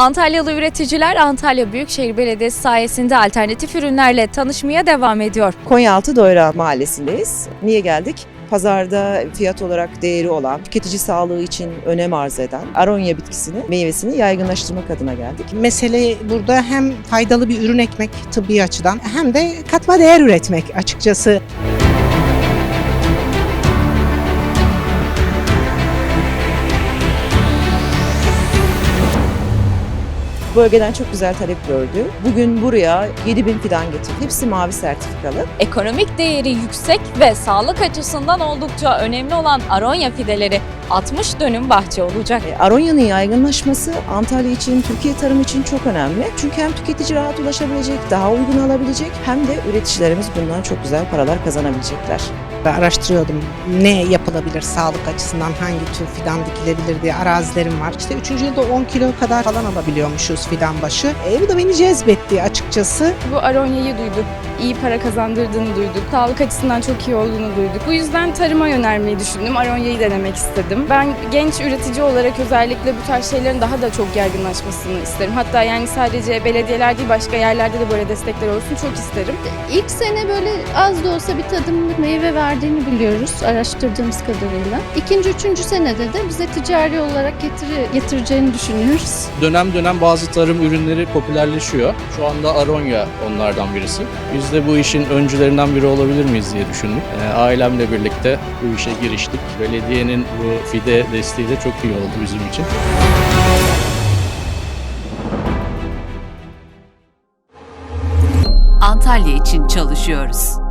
Antalyalı üreticiler Antalya Büyükşehir Belediyesi sayesinde alternatif ürünlerle tanışmaya devam ediyor. Konyaaltı Doyra Mahallesi'ndeyiz. Niye geldik? Pazarda fiyat olarak değeri olan, tüketici sağlığı için önem arz eden aronya bitkisini, meyvesini yaygınlaştırmak adına geldik. Mesele burada hem faydalı bir ürün ekmek tıbbi açıdan hem de katma değer üretmek açıkçası. Bölgeden çok güzel talep gördü. Bugün buraya 7.000 fidan getirdik. Hepsi mavi sertifikalı. Ekonomik değeri yüksek ve sağlık açısından oldukça önemli olan aronya fideleri 60 dönüm bahçe olacak. Aronya'nın yaygınlaşması Antalya için, Türkiye tarım için çok önemli. Çünkü hem tüketici rahat ulaşabilecek, daha uygun alabilecek hem de üreticilerimiz bundan çok güzel paralar kazanabilecekler. Araştırıyordum ne yapılabilir sağlık açısından, hangi tür fidan dikilebilir diye arazilerim var. İşte 3. yılda 10 kilo kadar falan alabiliyormuşuz fidan başı. Bu da beni cezbetti açıkçası. Bu aronyayı duyduk, iyi para kazandırdığını duyduk, sağlık açısından çok iyi olduğunu duyduk. Bu yüzden tarıma yönelmeyi düşündüm, aronyayı denemek istedim. Ben genç üretici olarak özellikle bu tarz şeylerin daha da çok yaygınlaşmasını isterim. Hatta yani sadece belediyeler değil başka yerlerde de böyle destekler olsun çok isterim. İlk sene böyle az da olsa bir tadımlık meyve verdiğini biliyoruz araştırdığımız kadarıyla. İkinci, üçüncü senede de bize ticari olarak getireceğini düşünüyoruz. Dönem dönem bazı tarım ürünleri popülerleşiyor. Şu anda aronya onlardan birisi. Biz de bu işin öncülerinden biri olabilir miyiz diye düşündük. Ailemle birlikte bu işe giriştik. Belediyenin bu fide desteği de çok iyi oldu bizim için. Antalya için çalışıyoruz.